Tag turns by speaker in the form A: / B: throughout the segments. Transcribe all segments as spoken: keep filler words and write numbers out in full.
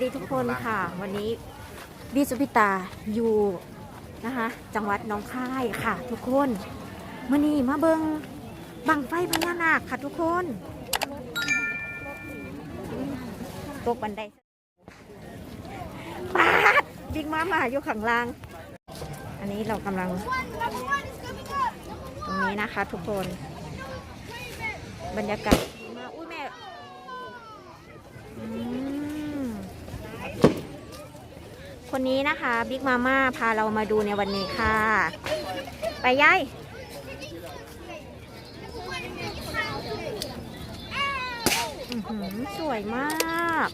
A: ดีทุกคนค่ะวันนี้บีสุพิตาอยู่นะคะจังหวัดหนองคายค่ะทุกคนมื่อนี้มาเบิงบังไฟพญานาคค่ะทุกคนตกบันไดปาดบิ๊กมามาอยู่ข้างล่างอันนี้เรากำลังตรงนี้นะคะทุกคนบรรยากาศดีมากอุ้ยแม่คนนี้นะคะบิ๊กมาม่าพาเรามาดูในวันนี้ค่ะไปย้ายสวยมาก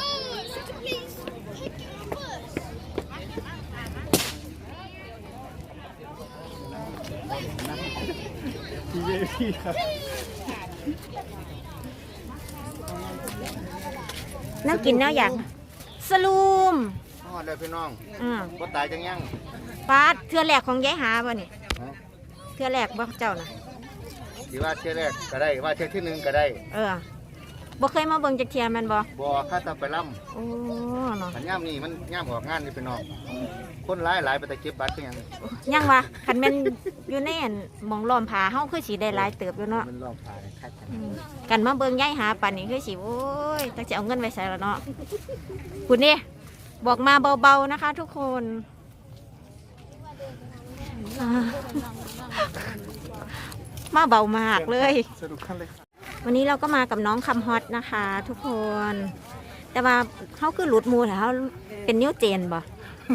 A: น่ากินเนาะอย่างสลูม
B: ฮอดเลยพี่น้อง
A: อืม
B: บ่ตายจังยัง
A: ปาดเทือแหลกของยายหาบ่นี่เทือแหลกบ่เจ้าน่ะ
B: สิว่าเที่ยแรกก็ได้ว่าเที่ยที่หนึ่งก็ได้
A: เออบ่เคยมาเบิ่งจักเที่ยแม่นบ่
B: บ่ข้าตาไปล่ำ
A: โอ้เนาะ
B: คันย่ามนี่มันย่ามออกงานนี่พี่น้องคนหลายหลายไปแต่เก็บบัตรคือหยัง
A: ยังวะคันแม่นอยู่ในอันหม่องล้อมผาเฮาคือสิได้หลายเติบอยู่เนาะ
B: มันล้อมผาคัก
A: กันมาเบิ่งยายหาปานนี้คือสิโอ้ยจักสิเอาเงินไว้ใส่ละเนาะคุณนี่บอกมาเบาๆนะคะทุกคนมาเบามากเลยวันนี้เราก็มากับน้องคำฮอตนะคะทุกคนแต่ว่าเขาคือหลุดมูแต่เขาเป็นนิ้วเจนบ่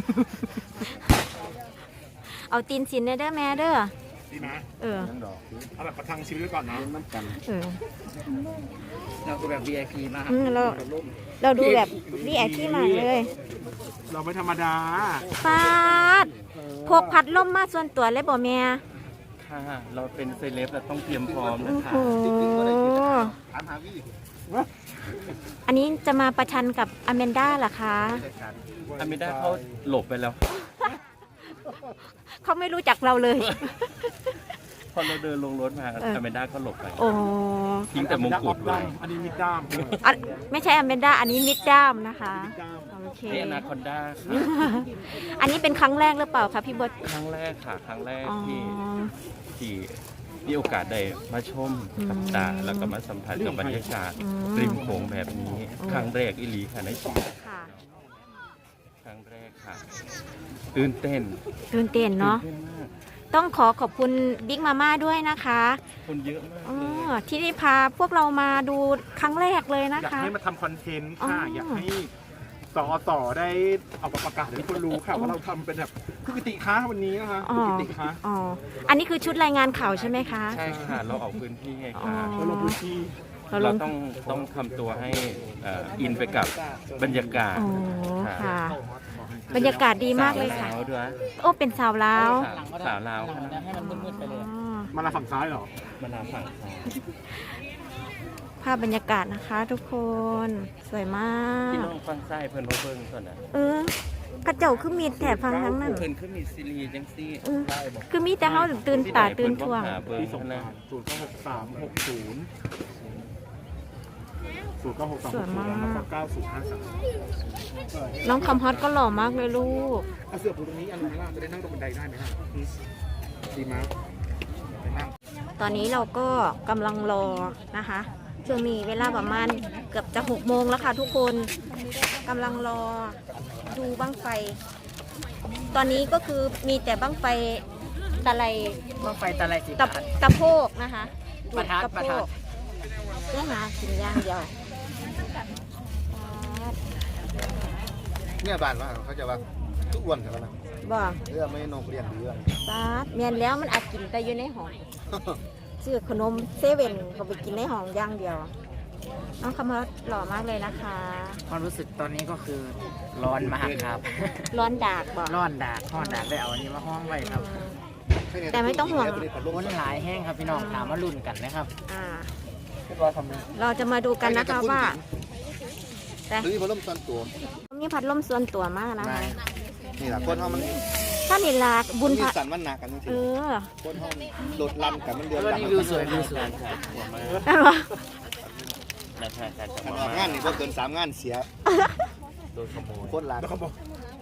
A: เอาตีนสินได้เด้อแม่เด้อ
C: ดีนะ
A: เออ
C: เอาแบบประทังชีวิตไว้ก่อนเนาะน้ำกัน
A: เออ
D: เราดูแบบ วี ไอ พี มาก
A: เราเราดูแบบ วี ไอ พี มากเลย
C: เราไม่ธรรมดา
A: ฟาดพกพัดลมมาส่วนตัวเลยบ่แม่
D: ค่ะเราเป็นเซเลบเราต้องเตรียมพร้อมนะคะ
B: ถามหาวี่
A: อันนี้จะมาประชันกับอแมนด้าเหรอคะ
D: อแมนด้าเขาหลบไปแล้ว
A: เขาไม่รู้จักเราเลย
D: พอเราเดินลงรถมาอแมนด้าก็หลบไป
A: โอ้
D: ทิ้งแต่มงกุฎไว้
C: อันนี้มิดด้าม
A: ไม่ใช่อแมนด้าอันนี้มิดด้ามนะคะโอเค
D: นี่อนาคอนด้า
A: อันนี้เป็นครั้งแรกหรือเปล่าคะพี่บด
D: ครั้งแรกค่ะครั้งแรกที่ที่มีโอกาสได้มาชมกับตาแล้วก็มาสัมผัสกับบรรยากาศริมโขงแบบนี้ครั้งแรกอิลีค่ะในชีวิตครั้งแรกค่ะตื่นเต้น
A: ตื่นเต้นเนาะต้องขอขอบคุณบิ๊กมาม่าด้วยนะคะ
D: คนเยอะมาก
A: ที่ได้พาพวกเรามาดูครั้งแรกเลยนะคะ
C: อยากให้มาทำคอนเทนต์ค่ะอยากให้ต่อต่อได้เอาประกาศให้คนรู้ค่ะว่าเราทำเป็นแบบคือกิติค้าวันนี้นะคะกิติค้า
A: อ๋ออันนี้คือชุดรายงานข่าวใช่ไหมคะ
D: ใช่ค่ะเราออกพื้นที่ไงคะ
C: เราลงพื้นที่
D: เราต้องต้องทำตัวให้อินไปกับบรรยากาศ
A: ค่ะบรรยากาศดีมากเลยค่ะโอ้เป็นสาวลาว
D: สาวลาว
C: ให้มันมืดๆไปเลยมาลาฝั่งซ้ายเหรอ
D: มาลาฝั่งซ้าย
A: ภาพบรรยากาศนะคะทุกคนสวยมาก
D: พี่น้องฟังซ้ายเพิ่นเพิ่งส่วนน่ะ
A: เออกระเจ้าคือมีแถบฟังทั้งนั้น
D: เพิ่นคือมีซีรีส์จังซี่
A: คือมีแต่เฮาตื่นตาตื่นทั่ว
C: ที่ส่งมาศูนย์เก้าหกสามหกศูนย์ศูนย์เก้าหกสามหกศูนย์แล้วก็เก้าศูนย์ห้าสาม
A: น้องคำฮอตก็หล่อมากเลยลูก
C: เอาเสือปูตรงนี้อันนี้ล่ะจะได้นั่งตรงบันไดได้ไหมครับดีมาก
A: ตอนนี้เราก็กำลังรอนะคะช่วงนี้เวลาประมาณเกือบจะหกโมงแล้วค่ะทุกคนกำลังรอดูบั้งไฟตอนนี้ก็คือมีแต่บั้งไฟตะไล
D: บั้งไฟตะไลสิ
A: ตะตะโพกนะคะ
D: ประทัดประทัด
A: เรื่องหาสิ่งอย่างเดียว
B: เนี่ยบ้านว่าเขาจะว่าทุกวันใช่ไหมนะ
A: บ่
B: เรื่องไม่นกเรียนเรื่อง
A: บ้าเมียนแล้วมันอาจกินแต่อยู่ในห้องซื้อขนมเซเว่นเขาไปกินในห้องย่างเดียวน้องคำว่าหล่อมากเลยนะคะ
D: ความรู้สึกตอนนี้ก็คือร้อนมากครับ
A: ร้อนดากบ่
D: ร้อนดากร้อนดากได้เอาอันนี้มาห้องไว้ครับ
A: แต่ไม่ต้องห่วง
D: คนหลายแห้งครับพี่น้องถามว่ารุ่นกันนะครับ
A: อ่าเราจะมาดูกันนะคะว่า
B: แต่มีพัดลมส่วนตัว
A: มีพัดลมส่วนตัวมากนะคะ
B: นี่แหละคนเขามัน
A: ถ้านี่ลาบุญพระ
B: สันมันหนักกันจริงๆ
A: เออ
B: คนเขาโดดลั่นกันมันเดือด
D: ร้อนวิวสวยวิวสวย
A: นั่นวะ
B: งานนี่พอเกินสามงานเสีย
D: โดนขโมย
B: คนหลาย
C: แล้วเขาบอก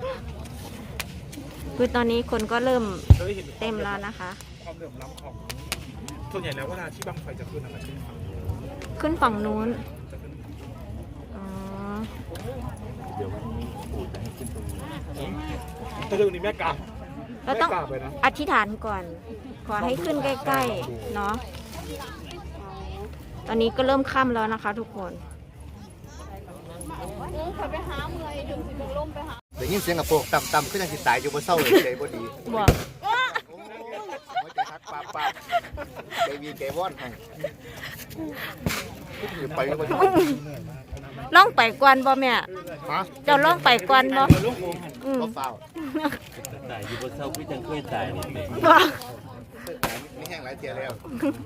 A: คือตอนนี้คนก็เริ่ม
C: จะได้เห็น
A: เต็มแล้วนะคะ
C: ความเหลื่อมล้ำของส่วนใหญ่แล้วเวลาที่บังไฟจะขึ้นอะไรขึ้นฝั่ง
A: ขึ้นฝั่งนู้น
C: จะขึ้น
A: อ๋อ
D: เดี๋ยววันนี้ปู่จะให้ขึ้นตรงนี้
C: แต่เรื่องนี้แม่กา
A: เราต้อง
C: แม่กาไปนะ
A: อธิษฐานก่อน ขอให้ขึ้นใกล้ๆเนาะตอนนี้ก็เริ่มค่ำแล้วนะคะ ทุกคน
B: ได้ยินเสียงกระโปรงต่ำๆขึ้นยังสิตายอยู่บนเศร้าเลยใจบ่ดี
A: บอก
B: หัวใจทักปาปาใจวีใจว่อนให้ไปแล้วบ่ดี
A: ล่องไปก่อนบ่แม่
B: ฮะ
A: เจ้าล่องไปก่อนบ่อืม
B: บ่ฟ้าว
D: ตายอยู่บนเสาพี่จังเคยตายนี่เอง
A: บ่
B: มีแห้งหลายเทียแล้ว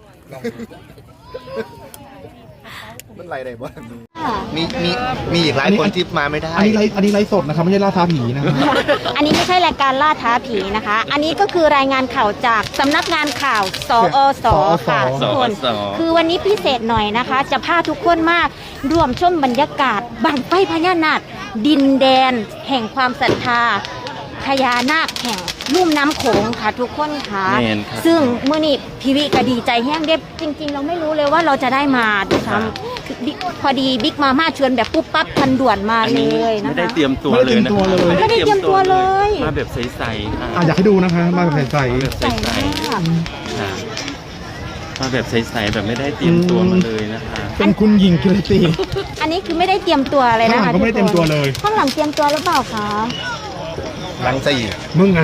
B: มันไหลได้บ่มีมีมีอีกหลายคนที่มาไม่ได้
C: อันนี้ไลฟ์อันนี้ไลฟ์สดนะครับไม่ใช่ล่าท้าผีนะครับ
A: อันนี้ไม่ใช่รายการล่าท้าผีนะคะ อันนี้ก็คือรายงานข่าวจากสำนักงานข่าวสอสค่ะ
C: สอส
A: ทุกคน
D: สอ
A: คือวันนี้พิเศษหน่อยนะคะ จะพาทุกคนมาร่วมชมบรรยากาศบังไฟพญานาคดินแดน แห่งความศรัทธาพญานาคแห่งลุ่มน้ำโขงค่ะทุกคนค่ะ
D: แม่นครับ
A: ซึ่งเมื่อนี้พีวีก็ดีใจแห้งเด็บจริง ๆ เราไม่รู้เลยว่าเราจะได้มาด้วยซ้ำคือบิ๊กพอดีบิ๊กมาม่าชวนแบบปุ๊บปั๊บทันด่วนมา
D: อัน
A: เล
D: นี้
A: ยนะ
D: ไม่ได้
A: คะ
D: เตรียมตัว
C: ไม่ได้
D: เลยนะ
C: เตรียมตัวเลย
A: ไม่ได้เตรียมตัวเลย
D: มาแบบใสๆค่ะ
C: อ่ะอยากให้ดูนะคะมาแบบใส่
D: มาแบบใส
A: ใส่
D: ๆ
A: มาก
D: ค่ะมาแบบใสๆแบบไม่ได้เตรียมตัวมาเลยนะคะ
C: เป็นคุณหญิงกิรติ
A: อันนี้คือไม่ได้เตรียมตัวอะไร
C: ข้าง
A: นะ
C: หลั
A: คะ
C: งก็ไม่ได้เตรียมตัวเลย
A: ข้างหลังเตรียมตัวหรือเปล่าคะ
B: หลังสี่
C: มึงไง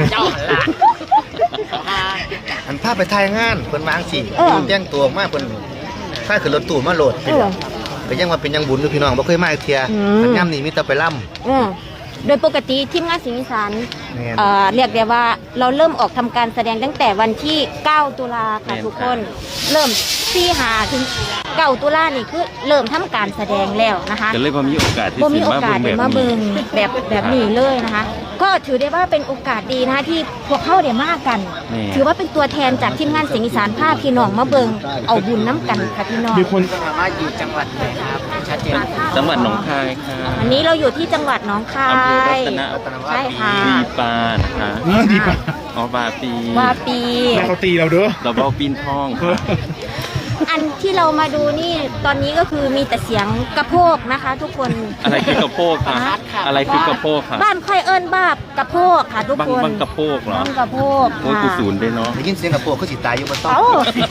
B: อันภาพไปถ่ายงานเพิ่นวางสิแจ้งตัวมาเพิ่นค่าขึ้นรถตู้มาโหลด
A: เออ
B: ก็ยังว่าเป็นยังบุญอยู่พี่น้องบ่เคยมาอีกเที่ย
A: อืม
B: อันย่ำนี่มีแต่ไปล่ำ
A: อืมโดยปกติทีมงานสิงห์อีสาน
B: แม่น
A: เอ่อเรียกได้ว่าเราเริ่มออกทำการแสดงตั้งแต่วันที่ เก้า ตุลาค่ะทุกคน เริ่มสี่หาถึงเก้าตุลานี่คือเริ่มทำการแสดงแล้วนะคะ
D: ก็เลยพอมีโอกาสที่
A: บ่มี
D: สิ
A: โอกาส
D: แบ
A: ได้
D: บ
A: มา
D: นี้
A: เบิงแบบแบบนี้เลยนะคะ ก็ถือได้ว่าเป็นโอกาสดีนะคะที่พวกเขาได้มากัน
D: นี่
A: ถือว่าเป็นตัวแทนจากทีมงานสิงห์อีสานภาคพี่น้องมาเบิงเอาบุญน้ำกันค่ะพี่น้อง
C: มีคน
B: มาอยู่จังหวัดไหนครับชัดเจน
D: จังหวัดหนองคายค่ะ
A: วันนี้เราอยู่ที่จังหวัดหนองคา
D: อำเภอรั
A: ย
D: ตน
A: ใช่ค่ะ
D: ปีปานนะคะ
C: เออดีป่ะ
D: อ๋อบาปี
A: ว่าปี
C: แม่เขาตีเราเด้อ
D: เราเบาปีนทองค่ะ
A: อันที่เรามาดูนี่ตอนนี้ก็คือมีแต่เสียงกระโพกนะคะ ทุกคน
D: อะไรคือกระโปงคะอะไรคือกระโปงคะ
A: บ้านค่อยเอิ้นบ้าบกระโพกค่ะทุก
D: บัง
A: คน
D: บังกระโปงเหรอ
A: บ้านกระโพก
D: โอ้ยกูศูนย์ด้วยเนาะ
B: ได้ยินเสียงกระโปรงเขาสิตายอยู่บนโต๊ะ
A: เอ้า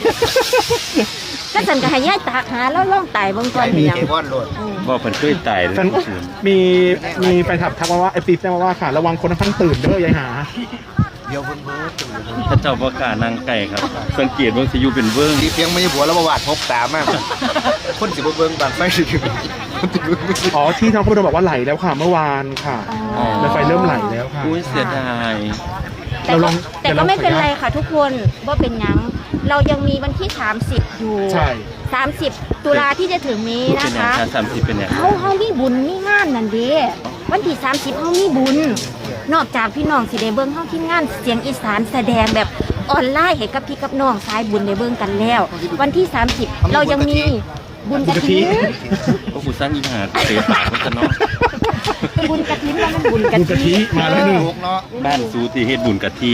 A: ก็สันก็ให้ย่ายตากหาแล้วล่องไต่เบาง
B: ใจ
A: ก่อน
B: มี
A: เดียว
B: ใจว่อนโหลด
D: บอกเพิ่นเคยตายเลย
C: แฟน
D: กูศูนย์
C: มีมีไปถับทักมาว่าไอซีแจ้งมาว่าค่ะ ระวังคนทั้งตื่นเด้อยายหา
B: เดี๋ยวเพิ่นเบิ่งตื่น
D: พระเจ้าประกาศนางไก่ครับ สังเกตว่าสิอยู่เป็นเบิ้ง
B: ดีเพียงไม่ใช่ผัวแล้วบ่วาดพบตามากคนสิบ่เบิ่งบางไฟสิคนสิเบิ่งไม่
C: อ๋อที่ทางผู้โดบอกว่าไหลแล้วค่ะเมื่อวานค่ะ
A: อ๋อ
C: แล้วไฟเริ่มไหลแล้วค่ะ
D: อุ้ยเสียดาย
A: แต่
C: เราล
A: ก็
C: อง
A: แต่
C: เดี๋ยว
A: ก็
C: เรา
A: ไม่เป็น
C: ขออนุ
A: ไร
C: ญาต
A: ค่ะทุกคนว่าเป็นหยังเรายังมีวันที่สามสิบอยู่
C: ใช่
A: สามสิบตุลาที่จะถึงนี้
D: เป็
A: นะ
D: นอย่าง
A: คะ
D: ชาสามสิบเป็นอย่าง
A: เฮาเฮามีบุญมีงานนั่นเด้วันที่สามสิบเฮามีบุญ นอกจากพี่น้องสิได้เบิ่งเฮาทีมงานเสียงอีสานแสดงแบบออนไลน์ให้กับพี่กับน้องสายบุญได้เบิ่งกันแล้ว วันที่สามสิบเรายังมีบุญกฐิน
D: พวกกูสร้างอีหาเตะปากมันจะเนาะ
A: บุญกฐินว่ามันบุญก
C: บุญกะ
A: ฐิ
C: ทิ
A: น
C: มาแล้วหนึ่ง
B: ลูกเนาะ
D: บ้านซูตีเฮ็ดบุญกะทิ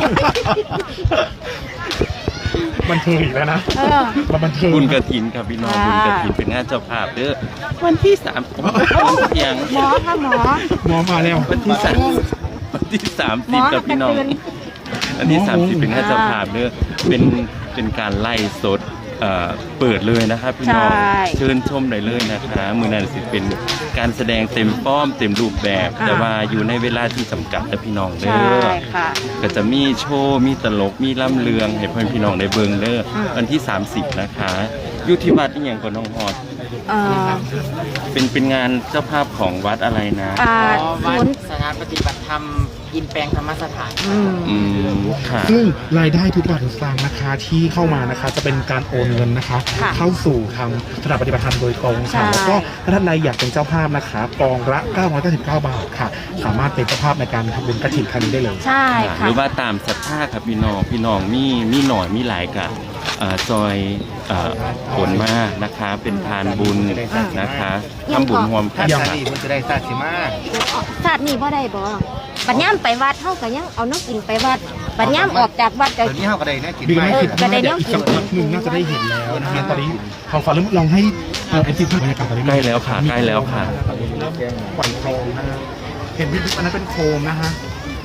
C: บันเทิงอีกแล้วนะ
A: เออ
C: มาบันเทิง
D: บุญกะถินครับพี่น้อง
A: ค่ะ
D: บุญกะถินเป็นงานเจ้าภาพเด้อวันที่สามเพียง
A: หมอค่ะหมอ
C: หมอมาแล้ว
D: วันที่สามวันที่สาม
A: หม
D: สิบ
A: อ
D: กับพี่น้อง
A: กระตือน
D: วันที่สามสิบเป็นงานเจ้าภาพเด้อเป็นเป็นการไล่สดเอ่อเปิดเลยนะครับพี่น้อง
A: ใช่
D: เชิญชมได้เลยนะคะมือนั้นสิเป็นการแสดงเต็มฟ้อมเต็มรูปแบบ
A: อ่า
D: แต่ว่าอยู่ในเวลาที่จำกัดนะพี่น้องเด้
A: ใช่
D: อ
A: ค่ะ
D: ก็จะมีโชว์ มีตลก มีล่ำเลือง ให้เพื่อนพี่น้องได้เบิ่งเด้อ
A: อืม
D: วันที่ สามสิบ นะคะอยู่ที่วัดอีหยังก่อนน้องฮอด
A: เอ่อ
D: เป็นเป็นงานเจ้าภาพของวัดอะไรนะ
A: อ่า
E: วั
A: ศู
E: ด
A: นย์
E: สถานปฏิบัติธรรมอินแปลงธรรมสถาน
A: อืม
D: อืมค่ะ
C: ซึ่งรายได้ทุกบาททุกสตางค์นะคะที่เข้ามานะคะจะเป็นการโอนเงินนะคะ
A: ค่ะ
C: เข้าสู่ทางสถานปฏิบัติธรรมโดยตรง
A: ใช่
C: ค่ะแล้วก็ถ้าท่านใดอยากเป็นเจ้าภาพนะคะกองละเก้าร้อยเก้าสิบเก้าบาทค่ะ สามารถเป็นเจ้าภาพในการทำบุญกฐินครั้งนี้ได้เลย
A: ใช่
D: ห
A: ค่ะ
D: รือว่าตามศรัทธาครับพี่น้อง พี่น้องมีมีหน่อยมีหลายกะอ่าซอยอ่าผลมานะคะ เป็นทานบุญนะคะทำบุญรวมกั
B: ท่าน น
D: ค่ะ
B: สาลีมันจะได้ซาสิมา
A: ศาสตร์นี่บ่ได้บ่ปัญญามไปวัดเฮาก็ยังเอาน้ำกินไปวัดปัญญามออกจากวัดก็
B: เดี๋ยวนี้เฮาก็ได้นะกิน
C: ดี
B: ไป
C: ไม่
A: เออ
C: คิด
A: ก็ได้
C: ว่า
A: แน
C: เดี๋ยว
A: ว
C: อีก
A: กิน
C: สักพักหนึ่งน่าจะได้เห็นแล้วนะคะตอนนี้ทางฟ้าลองให้เอฟซีภาพบรรยากาศตอนนี้
D: ใกล้แล้วค่ะใกล้แล้วค่ะ
C: ปล่อยโคมนะฮะเห็นพี่บิ๊กอันนั้นเป็นโคมนะฮะ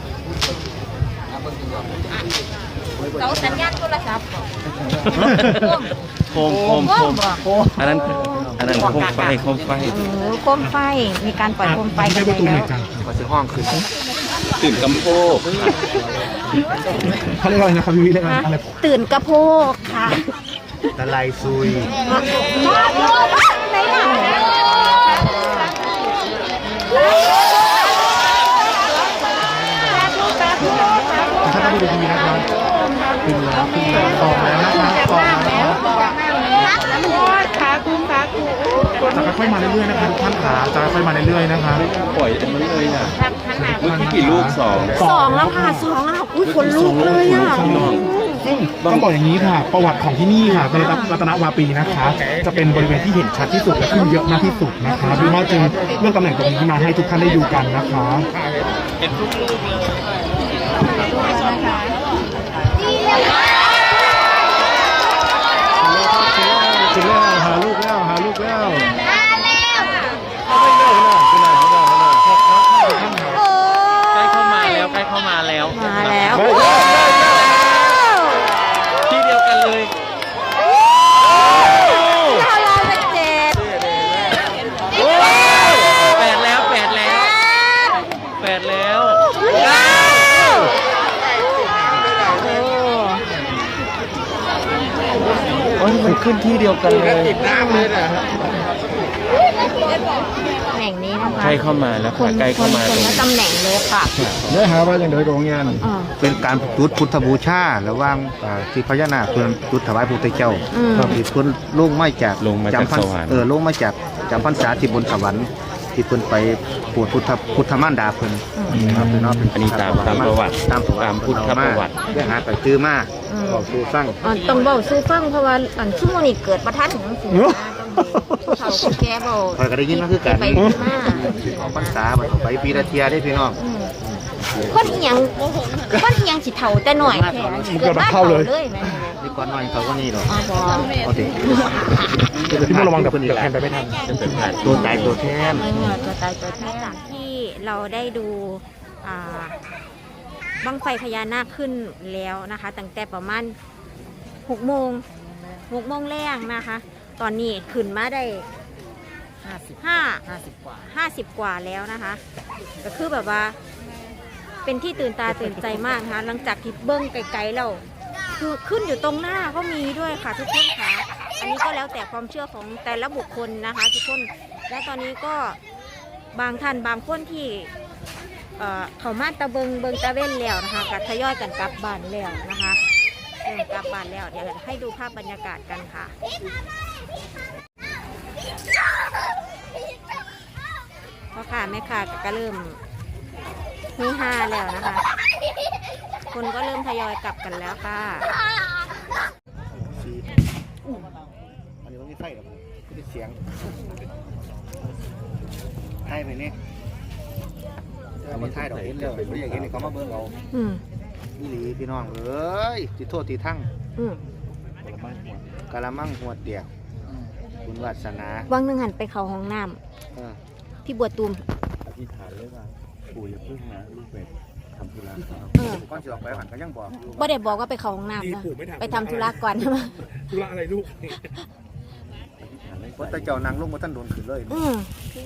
A: เสาสัญญาณโทรศัพท์
D: โคมโคมโคมอันนั้นอันนั้นโคมไฟโคมไฟ
A: เออโคมไฟมีการปล่อยโคมไฟ
C: ไม่
A: กั
C: ใช่
A: น
C: ประตูเห
A: แล้ว
C: มือนกัน
B: ก็ซื้อห้องขึ้น
D: ตื่นกำโพกค่ะ
C: เขาเรียกอะไรนะครับพี่บิ๊กเรียกอะไร
A: ฮะ
C: อะไร
A: ตื่นกระโพกค่ะ
B: ตะไลซุย
A: ไหนล่ะ
C: ถ้าต้องดูทีวีนะครับขึ้นแล้วขึ้นแล้วตอกแล้วนะครับตอกแล้วจะค่อยๆมาเรื่อยๆนะครับทุกท่านขาจะค่อยๆมาเรื่อยๆนะคะ
D: ปล่อยอันนั้นเลยน่ะเมื่อกี้กี่ลูกสอง
A: สองแล้วค่ะสองแล้วอุ้ยคนลุกเลยอ่ะ
C: ซึ่งต้องบอกอย่างนี้ค่ะ ประวัติของที่นี่ค่ะในรัตนวาปีนะคะ จะเป็นบริเวณที่เห็นชัดที่สุดและขึ้นเยอะมากที่สุดนะคะดูมาจึงเลือกตำแหน่งตรงนี้มาให้ทุกท่านได้ดูกันนะคะ
D: เห็นทุกลูกเลย
C: ถึงแล้วหาลูกแล้วหาลูกแล้ว
D: ใกล้เข้ามาแล้วใกล้เข้ามาแล้ว
A: มาแล้ว
D: ที่เดียวกันเลย
A: เราเราเป็นเจ็ด
D: แปดแล้วแปดแล้วแปดแล้ว โอ้ยมันขึ้นที่เดียวกันเลย
A: ตำแหน่งนี้นะคะ
D: ใกล้เข้ามาแล้ว
A: ค
D: ค่ะ
A: น
D: ใกล้
A: ค
D: เข้าน มา
A: ค
D: ต
A: น
D: รง
A: ละตำแหน่งเลยค่ะ
C: เนื้อหาว่าอย่างไรตรงนี้
A: อ่า
B: เป็นการจุดพุทธบูชาระหว่างอ่าที่พญานาคเพิ่นจุดถวายพระพุทธเจ้า
A: อืม
B: ที่เพิ่นลงมาจาก
D: ลงมาจาก
B: จำพรร
D: ส
B: ษ
D: วรรค์
B: เออลงมาจากจำพรรษาที่บนสวรรค์ที่เพิ่นไปปวดพุทธพุทธมารดาเพิ่นครับเป็นเนาะเป็น
D: อันนี้ตามตามประวัติ
B: ตามประวัติ
D: ตามพุทธประวัติ
B: ได้หาไปซื้อมา
A: อืม
B: บอกสู่ฟัง
A: อ่าต้องเบาสู้ฟังเพราะว่าอันชั่วโมงนี้เกิดประทัดของสิงห์นะต้องเขาคือแกเบา
B: คอยก็ได้ยินมาคือกัน
A: ไปที่มา
B: ของพรรษาบัดไปปีละเทียได้พี่น้อง
A: อืมคนอีหยังคนอีหยังสิเฒ่าแต่หน่อยแค่เกิดมาเฒ่าเลยแม่
B: นี่ก่อนหน่อยเขาก็นี่ดอก
A: อ๋อบ่
B: เอาดิ
C: พี่โมระวังเดี๋ยวเดี๋ยวแทนไปไม่ทัน
D: จะเป็นผ่าน
B: ตัวตายตัวแทน
A: เออตัวตายตัวแทนจากที่เราได้ดูอ่าบั้งไฟพญานาคขึ้นแล้วนะคะตั้งแต่ประมาณหกโมงหกโมงแรงนะคะ ตอนนี้ขึ้นมาได้ห้าสิบห้าห้าสิบกว่าห้าสิบกว่าแล้วนะคะ ก็คือแบบว่า เป็นที่ตื่นตาตื่นใจมากนะคะ หลังจากที่เบิ้งไกลๆแล้วคือขึ้นอยู่ตรงหน้าก็มีด้วยค่ะทุกคนค่ะ อันนี้ก็แล้วแต่ความเชื่อของแต่ละบุคคลนะคะ ทุกคน และตอนนี้ก็บางท่านบางคนที่เอ่อเขามาตะเบิงเบิงตะเว้นแล้วนะคะก็ทยอยกันกลับบ้านแล้วนะคะเริ่มกลับบ้านแล้วเดี๋ยวให้ดูภาพบรรยากาศกันค่ะพ่อค่ะแม่ค่ะก็เริ่มฮือฮาแล้วนะคะ คนก็เริ่มทยอยกลับกันแล้วค่ะ
B: อันนี้มันมีไฟหรอก็เป็นเสียงไทยไปนี่เอามาไทยดอกเห็นแล้วไม่อยากเห็นนี่เขามาเบิ่งเอา
A: อืม
B: นี่หลีพี่น้องเอ้ยติโทษติทั้ง
A: อืม
B: กะละมังหัวเดียวคุณวาสนา
A: วังหนึ่งหันไปเขาห้องน้
B: เออ
A: ำพี่บัวตูม
D: อธิษฐานเลยว่าปู่อย่าพึ่งนะลูกเป็ดทำธุระ
A: เออ
B: ก่อนสิออกไปหันก็ยังบอกอยู่
A: บ่ได้บอกว่าไปเขาห้องน้ำนะไปทำธุระก่อนใช่ไหม
C: ธุระอะไรลูก
B: ว่าแต่เจ้านางลงมาท่านโดนขึ้นเลย
A: อืม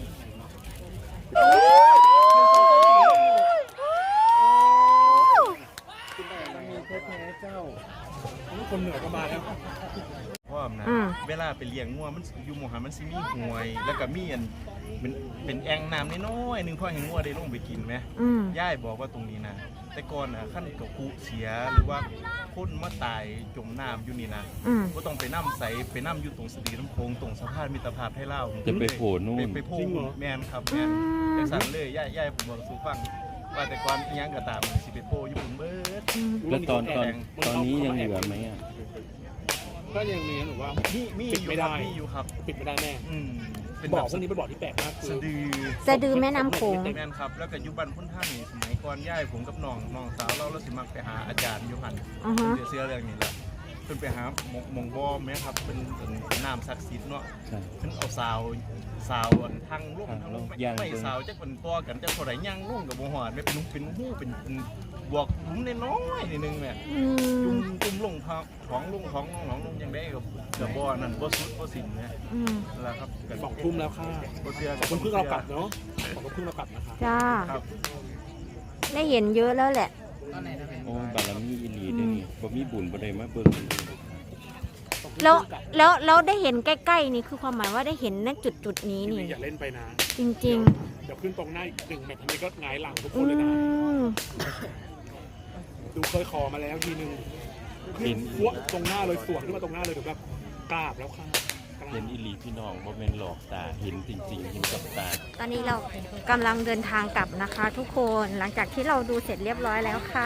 C: คนเหนือก็มาแล้ว
D: พร้อมนะ
A: อืม
D: เวลาไปเลี้ยงงัวมันอยู่หมู่หามันสิมีห่วย แล้วก็มีอันเป็นเป็นแอ่งน้ำน้อยๆหนึงพ่อให้งัวได้ลงไปกินไหม
A: อืม
D: ย่ายบอกว่าตรงนี้นะแต่ก่อนนะขั้นกับคุเสียหรือว่าคนมาตายจมน้ำอยู่นี่นะ
A: อืม
D: ก็ต้องไปน้ำใสไปน้ำอยู่ตรงสตรีน้ำโคงตรงสะพานมิตรภาพให้เล่า
F: จะไปโผล่นู่น
D: ไปไปโผล่แมนครับแมนจังสันเลยย่ายย่ายผมบอกสู่ฟังว่าแต่ก่อนอิหยังก็ตามสิไปโผล่อยู่บนเบิร์ด
F: แล้วตอนตอนตอนนี้ยังเหลือไหมอ่ะ
C: ก็ยังมีหนูว่า
F: มีมี
C: ปิด
F: อยู่
C: ไม่
F: ครั
C: ได้
F: บมีอยู่ครับ
C: ปิดไม่ได้แน่
F: อืมเป็น
C: บ่
F: แบ
C: อบ พวกนี้เป็นบ่อที่แปลกมากคือ
F: สะดือ
A: สะดือแม่น้ำโขง
F: แม่นครับ แล้วก็อยุบันพุ่นท่านนี่สมัยก่อนย่ายผมกับน้องน้องสาวเราเราสิมักไปหาอาจารย์อยุหัน
A: อือฮะ
F: เสื้อเรื่องนี้แหละเพิ่นไปหาหมองหมองบ่อแม่ครับเป็นเป็นน้ำศักดิ์สิทธิ์เนาะ
D: ใช่
F: เพิ่นเอาสาวสาวอันทางลง
D: ทาง
F: ทาง
D: ล
F: ล
D: ง
F: งไม่
D: ย่าง
F: ไม่
D: ลง
F: สาวจักเป็นตัวกันจักเท่าใดย่างลงกับบ่ฮอดไม่เป็นลูกเป็นหู้เป็นเป็นบวกหลุมน้อยๆนิดนึงแม่
A: อื
F: จุ่
A: ม
F: มจุ่มลงท้องท้องลงท้องน้องลงยังได้กับกับบ่อนั่นบ่สุดบ่สิ้นแม่
A: อืม
F: นั่นล่ะครับกัน
C: สองทุ่มแล้วค่ะ
F: บ่เชื่อ
C: สองทุ่มครึ่งเรากลับเนาะสองทุ่มครึ่งเรากลับนะคะ
A: จ้า
F: ครับ
A: ได้เห็นเยอะแล้วแหละ
D: โอ้บารมีอีหลีเด้อนี่บ่มีบุญบ่ได้มาเบิ่ง
A: แล้วแล้วแล้วได้เห็นใกล้ๆนี่คือความหมายว่าได้เห็นณจุดจุดๆนี้นี่
C: อย่าเล่นไปนะ
A: จริง
C: เดี๋ยวขึ้นตรงหน้าอีกหนึ่งแมตช์ทำนี้ก็หงายหลังทุก
A: ๆ
C: ค
A: อื
C: นเลยนะ
A: ม
C: ดูเคยขอมาแล้วทีนึงขึ้นพวกตรงหน้าเลยสวนขึ้นมาตรงหน้าเลยเดี๋ยวแบบกราบแล้วค่ะกราบ
D: เห็นอีหลีพี่น้องบ่แม่นหลอกตาเห็นจริงๆเห็นกับตา
A: ตอนนี้เรากำลังเดินทางกลับนะคะ ทุกคนหลังจากที่เราดูเสร็จเรียบร้อยแล้วค่ะ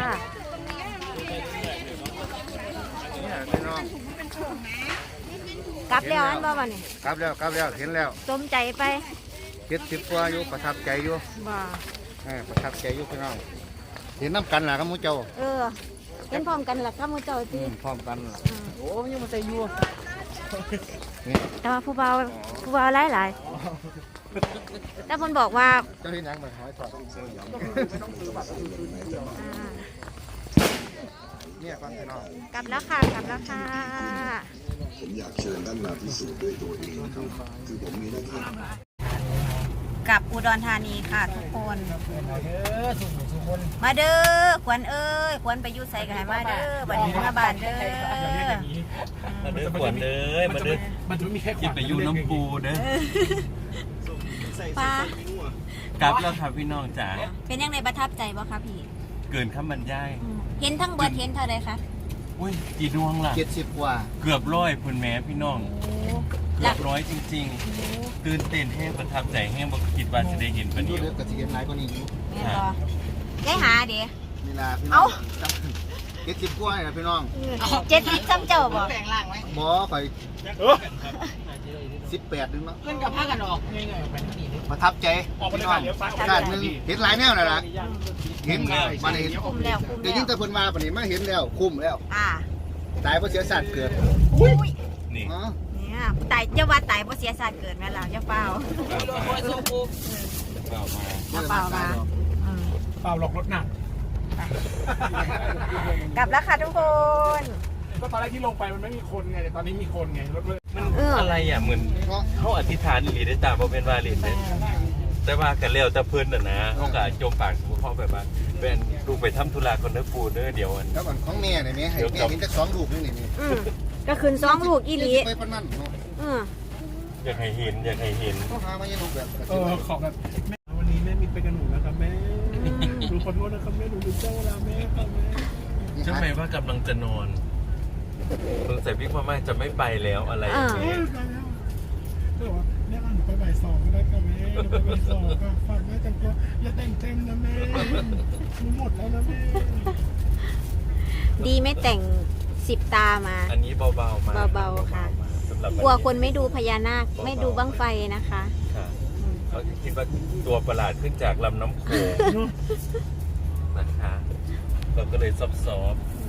B: เนี่ยพี่น้อง
A: กลับแล้วอันบ่วันนี้
B: กลับแล้วกลับแล้วเห็นแล้ว
A: สมใจไป
B: เจ็ดสิบกว่าอยู่ประทับใจอยู่
A: บ่
B: เออประทับใจอยู่พี่น้องเห็นน้ำกันล่ะครับหมูเจ้า
A: เออเป็นพร้อมกันหลักข้ามูเจ้า
B: อื
A: จี
B: มพร้อมกันล่ะโอ้ยังมาใจอยู่นี่
A: แต่ว่าผู้เบาผู้เบาหลายหลายๆแต่คนบอกว่า
B: เจ้าที่นังมาหอยถอด
A: อ่า
B: เนี่ยฟังพี่น้อง
A: กลับแล้วค่ะกลับแล้วค่ะ
G: ผมอยากเชิญท่านมาพิสูจน์ด้วยตัวเองนะครับ คือผมมีหน้าที่
A: กลับอุดรธานีค่ะทุกคน มาเด้อขวัญเอ้ยขวัญไปอยู่ใส่กันให้มาเด้อบัดนี้มาบ้านเด้อ
D: มาเด้อขวัญเด้อมาเด้อ
C: มันจะไม่มีแค่
D: คิดไปอยู่น้ำปูเด้อ
A: ป้าก
D: ลับแล้วครับพี่น้องจ๋า
A: เป็นยังไงประทับใจบ่คะพี่
D: เกินคำบรรยาย
A: อืมเห็นทั้งเบิดเห็นเท่าไรคะ
D: อุ้ยกี่ดวงล่ะ
B: เจ็ดสิบกว่า
D: เกือบร้อยพุ่นแม้พี่น้อง
A: โอ้
D: เกือบร้อยจริง
A: โห
D: ๆ ตื่นเต้นแห้งประทับใจแห้งบ่คิดว่าจะได้เห็นปาน
B: ดู
D: นี้
B: เด็กกับสิเห็นหลายกว่านี้อยู่
A: แม่นบ่ได้หาเด้
B: นี่ล่ะพี่น้องเจ็ดสิบกว่าเนี่ยพี่น้อง
A: เจ็ดสิบซ้ำเจ้าบ่
B: หมอข่อยสิบแปดนึงเนาะ
E: ขึ้นกับผ้ากันออก
B: ประทับใจ
C: ออกมา
B: พี่
C: เลย
B: น้อ
C: ค่ะ
B: ง
C: เลี้ยวซ้ายออก
B: ชาติหนึงเห็นหลายแนวน่ะล่ะเห็นมาเห็น
A: คุ้มแล้วคุ้ม
B: แต่
A: แล้
B: ยิ่
A: ว
B: งแต่เพิ่นมาปานนี้มาเห็นแล้วคุ้มแล้ว
A: อ่า
B: ตายเพราะเสียสัตว์เกิด
A: อุ้ย
D: นี่
B: อ๋อ
A: เนี่ยตายเจ้าว่าตายเพราะเสียศาสตร์เกิดแม่ล่ะเจ้าเปล่า
D: เอามา
A: เปล่ามาอืม
C: เปล่าหลอกรถหนัก
A: กลับแล้วค่ะทุกคน
C: ก็ตอนแรกที่ลงไปมันไม่มีคนไงแต่ตอนนี้มีคนไงรถเลย
D: มัน
A: เอออ
D: อะไรอ่ะเหมือนเขาอธิษฐานอีหลีได้ตามบ่เป็นว่าเล่นเด้แต่ว่ากันแล้วแต่เพิ่นน่ะนะเขาก็จมปากสมมุติเขาแบบว่าเป็นลูกไปทำธุระคนเด้อปู่เด้อเดี๋ยวอัน
B: แล้วก่อนของแม่เนี่ยแม่ให้แม่เห็นจักสองลูกนี่นี่นี่
A: อืมก็คืนสองลูกอีหลี
B: ไปปานนั้นเนาะ
A: อืม
D: อยากให้เห็นอยากให้เห็น
B: เขาหามายังลูกแบบ
C: เออขอแบบแม่วันนี้แม่มีไปกับหนูนะครับแม่หนูขอโทษนะครับแม่หนูลืมเจ้าเวลาแม่ครับแม่
D: ใช่ไหมว่ากำลังจะนอนสงสัยพี่พ่อแม่จะไม่ไปแล้วอะไรอย่าง
C: เอ
D: เงี้
C: อย ตายแล้วเธอบอกว่าแม่เอาหนูไปบ่ายสองก็ได้ค่ะแม่หนูไปบ่ายสองค่ะฝากแม่แต่งตัวอย่าแต่งเต็มนะแม่หนูหมดแล้วนะแม่
A: ดีไม่แต่งสิบตามา
D: อันนี้เบาๆมา
A: เบาๆค่ะ
D: สำหรับ
A: กลัวคนไม่ดูพญานาคไม่ดูบั้งไฟนะคะ
D: ค่ะเขาคิดว่าตัวประหลาดขึ้นจากลำน้ำโขงนะคะเราก็เลยซอบๆ